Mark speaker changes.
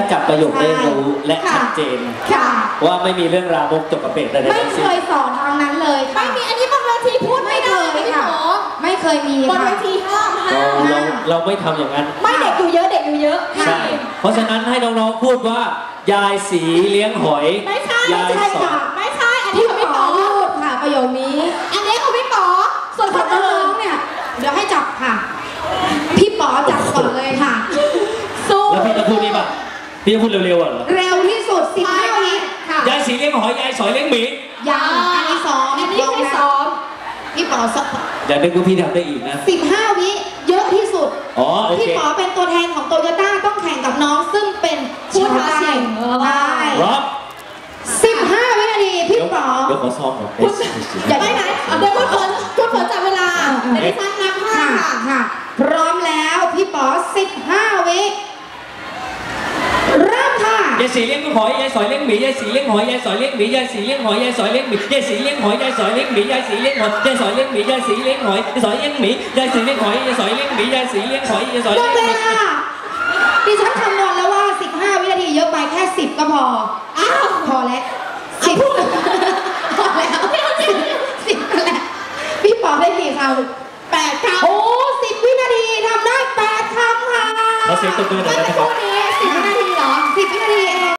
Speaker 1: จับประโยคได้รู้และชัดเจนว่าไม่มีเรื่องราวจบกระเป็ดอะไรทั้งสิ้น
Speaker 2: ไม่เคยสอนทางนั้นเลย
Speaker 3: ไม่มีอันนี้บนเวทีพูดไม่ได้พี่หมอ
Speaker 2: ไม่เคยมี
Speaker 3: บนเวทีห้าม
Speaker 1: เราไม่ทำอย่างนั้น
Speaker 3: ไม่เด็กอยู่เยอะเด็กอยู่เยอะ
Speaker 1: ใช่เพราะฉะนั้นให้น้องๆพูดว่ายายสีเลี้ยงหอย
Speaker 3: ไม่ใช่ค่ะไม่ใช่อันนี้
Speaker 2: พี่
Speaker 3: ของ
Speaker 2: หม
Speaker 3: พี่
Speaker 2: อ
Speaker 3: ป๋อ
Speaker 2: พูดค่ะประโยคนี้
Speaker 3: อันนี้ของพี่ป๋อส่วนของน้อง
Speaker 2: เนี่ยเดี๋ยวให้จับค่ะพี่ป๋อจับก่อนเลยค่ะ
Speaker 3: สู้
Speaker 1: แล้วพี่จะพูดนี่ป่ะพี่จะพูดเร็วๆอ่ะเหรอ
Speaker 2: เร็วที่สุด15 วิค่ะ
Speaker 1: ยายสีเลี้ยงหอยยายสอยเลี้ยงหมี
Speaker 2: ยังอันนี้ซ้อม
Speaker 3: อันนี้ไม่ซ้อม
Speaker 2: พี่ป๋อ
Speaker 1: อย่านึกว่าพี่ทำได้อีกนะ
Speaker 2: 15 วิเยอะที่สุด
Speaker 1: อ๋อโอเค
Speaker 2: พี่ป๋อเป็นตัวแทนของโตโยต้าต้องแข่งกับน้องซึ่งเป็น
Speaker 3: ผู้ท้าชิง
Speaker 2: ได้15 วินาทีพี่ป๋อ
Speaker 1: เดี๋ยวขอซ้อมก่อน
Speaker 2: อย่า
Speaker 3: ไม่ไหนเดี๋ยวคุณฝนจับเวลาเดี๋ยวดิฉันนับให้
Speaker 2: ค่ะพร้อมแล้วพี่ป๋อ15 วิเริ่มค่ะ
Speaker 1: ยายสีเลี้ยงหอยยายสอยเลี้ยงหมียายสีเลี้ยงหอยยายสอยเลี้ยงหมียายสีเลี้ยงหอยยายสอยเลี้ยงหมียายสีเลี้ยงหอยยายสอยเลี้ยงหมียายสีเลี้ยงหอยยายสอยเลี้ยงหมียายสีเลี้ยงหอยยายสอยเลี้ยงหมียายสีเลี้ยงหอยยายสอยเลี้ยงหมียายสีเลี้ยงหอยยายสอยเลี้ยงหมี
Speaker 2: ดิฉันคำนวณแล้วว่า15 วินาทีเยอะไปแค่10ก็พอพอแล้ว10พอแล้ว10ก็แล้วพี่ป๋อได้กี่คำ8 คำโอ้10 วินาทีทำได้8 คำค่ะ
Speaker 1: เราเสียงตบมือหน่อยนะครับ
Speaker 2: 10 วินาทีเหรอ10 วินาทีเอง